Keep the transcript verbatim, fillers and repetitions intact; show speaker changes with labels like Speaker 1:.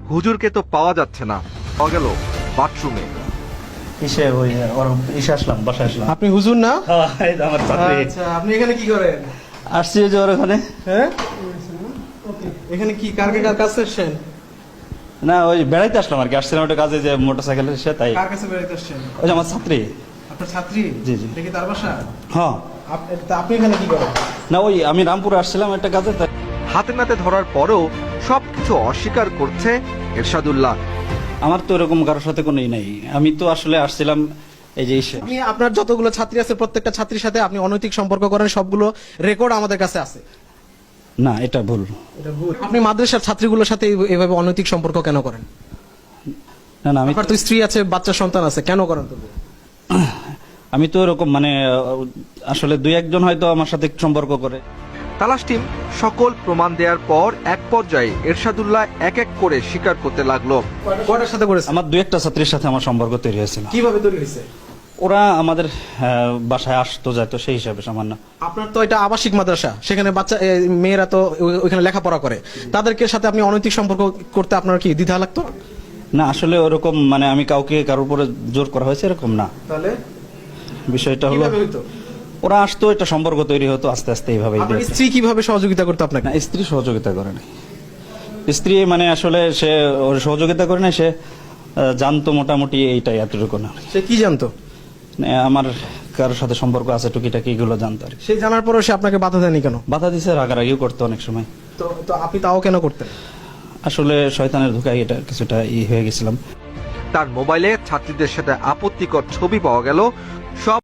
Speaker 1: হুজুরকে তো পাওয়া যাচ্ছে না, পাওয়া গেল বাথরুমে।
Speaker 2: ইসে ওই ওর ইসে আসলাম, বাসায় আসলাম।
Speaker 3: আপনি হুজুর না?
Speaker 2: হ্যাঁ, এই তো আমার ছাত্রী।
Speaker 3: আচ্ছা, আপনি এখানে কি করেন?
Speaker 2: আসছি ওই যে ওর ওখানে।
Speaker 3: হ্যাঁ, এখানে কি কার কার কাছে এসেছেন?
Speaker 2: না, ওই বেড়াইতে আসলাম আর কি। আসছিলাম একটা কাজে, যে মোটরসাইকেলে এসে, তাই।
Speaker 3: কার কাছে বেড়াইতে আসছেন?
Speaker 2: ওই যে আমার ছাত্রী।
Speaker 3: আপনার ছাত্রী?
Speaker 2: জি, জি।
Speaker 3: দেখি তার বাসা?
Speaker 2: হ্যাঁ।
Speaker 3: আপ- তা আপনি এখানে কি করেন?
Speaker 2: না, ওই আমি রামপুরে আসছিলাম একটা কাজে, তাই।
Speaker 1: হাতে নাতে ধরার পরেও সবকিছু অস্বীকার করছে এরশাদুল্লাহ।
Speaker 2: আমার তো এরকম কারোর সাথে কোনো ই নাই। আমি তো আসলে আসছিলাম এই যে ইসে।
Speaker 3: আপনি আপনার যতগুলো ছাত্রী আছে প্রত্যেকটা ছাত্রীর সাথে আপনি অনৈতিক সম্পর্ক করেন, সবগুলো রেকর্ড আমাদের কাছে আছে।
Speaker 2: না, এটা ভুল।
Speaker 3: এটা ভুল। আপনি মাদ্রাসার ছাত্রীগুলোর সাথে এই- এইভাবে অনৈতিক সম্পর্ক কেন করেন?
Speaker 2: না না, আমি
Speaker 3: আপনার তো স্ত্রী আছে, বাচ্চা সন্তান আছে, কেন করেন তবু?
Speaker 2: আমি তো এরকম মানে আহ, আসলে দুই একজন হয়তো আমার সাথে সম্পর্ক করে।
Speaker 1: তালাশ টিম সকল প্রমাণ দেওয়ার পর এক পর্যায়ে এরশাদুল্লাহ এক এক করে স্বীকার করতে লাগলো।
Speaker 3: কয়টার সাথে করেছেন?
Speaker 2: আমার দুই একটা ছাত্রীর সাথে আমার সম্পর্ক তৈরি হয়েছিল।
Speaker 3: কিভাবে তৈরি হয়েছে?
Speaker 2: ওরা আমাদের আহ, বাসায় আসতো যাইতো, সেই হিসাবে সামান্য।
Speaker 3: আপনার তো এটা আবাসিক মাদ্রাসা, সেখানে বাচ্চা এ, মেয়েরা তো ও- ওইখানে লেখাপড়া করে, তাদেরকে সাথে আপনি অনৈতিক সম্পর্ক করতে আপনার কি দ্বিধা লাগতো?
Speaker 2: না, আসলে ওরকম মানে আমি কাউকে কারোর উপরে জোর করা হয়েছে এরকম না।
Speaker 3: তাহলে
Speaker 2: বিষয়টা হলো
Speaker 3: কিভাবে হইতো?
Speaker 2: ওরা আসতো, একটা সম্পর্ক তৈরি হতো আস্তে আস্তে এইভাবেই।
Speaker 3: আপনার স্ত্রী কিভাবে সহযোগিতা করতো আপনাকে?
Speaker 2: না, স্ত্রী সহযোগিতা করে না। স্ত্রী মানে আসলে সে ওর সহযোগিতা করে না, সে আহ, জানতো মোটামুটি এইটাই, এতটুকু না।
Speaker 3: সে কি জানতো?
Speaker 2: মানে আমার কারোর সাথে সম্পর্ক আছে টুকিটাকি, এগুলো জানতো আর কি।
Speaker 3: সে জানার পরেও সে আপনাকে বাধা দেয়নি কেন?
Speaker 2: বাধা দিছে, রাগারাগিও করতো অনেক সময়।
Speaker 3: তো তো আপনি তাও কেন করতেন?
Speaker 2: আসলে শয়তানের ধোকায় এটা কিছুটা ই হয়ে গেছিলাম।
Speaker 1: তার মোবাইলে ছাত্রীদের সাথে আপত্তিকর ছবি পাওয়া গেল। সব